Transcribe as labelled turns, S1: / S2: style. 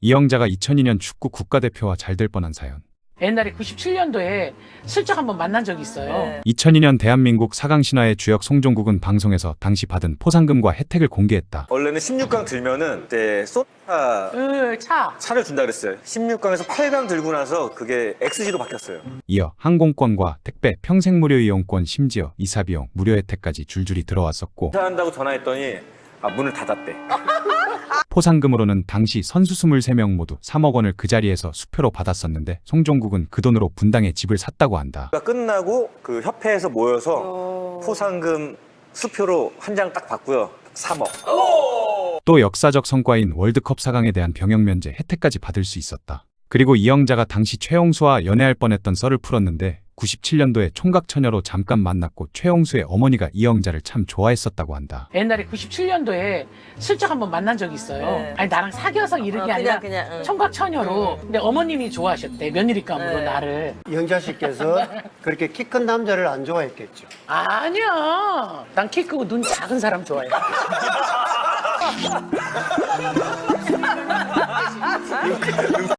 S1: 이영자가 2002년 축구 국가대표와 잘 될 뻔한 사연.
S2: 옛날에 97년도에 슬쩍 한번 만난 적이 있어요.
S3: 네.
S1: 2002년 대한민국 4강 신화의 주역 송종국은 방송에서 당시 받은 포상금과 혜택을 공개했다.
S4: 원래는 16강 들면은 그때 소타 차를 준다 그랬어요. 16강에서 8강 들고 나서 그게 XG로 바뀌었어요.
S1: 이어 항공권과 택배, 평생 무료 이용권, 심지어 이사비용, 무료 혜택까지 줄줄이 들어왔었고,
S4: 인사한다고 전화했더니 문을 닫았대.
S1: 포상금으로는 당시 선수 23명 모두 3억 원을 그 자리에서 수표로 받았었는데, 송종국은 그 돈으로 분당에 집을 샀다고 한다.
S4: 끝나고 그 협회에서 모여서 포상금 수표로 한 장 딱 받고요. 3억.
S1: 또 역사적 성과인 월드컵 4강에 대한 병역 면제 혜택까지 받을 수 있었다. 그리고 이영자가 당시 최용수와 연애할 뻔했던 썰을 풀었는데, 97년도에 총각처녀로 잠깐 만났고 최용수의 어머니가 이영자를 참 좋아했었다고 한다.
S2: 옛날에 97년도에 슬쩍 한번 만난 적이 있어요.
S3: 네.
S2: 아니 나랑 사귀어서 이런 게 아니라
S3: 그냥.
S2: 총각처녀로. 근데 어머님이 좋아하셨대. 며느리감으로
S3: 네.
S2: 나를.
S5: 영자 씨께서 그렇게 키 큰 남자를 안 좋아했겠죠.
S2: 아니야. 난 키 크고 눈 작은 사람 좋아해.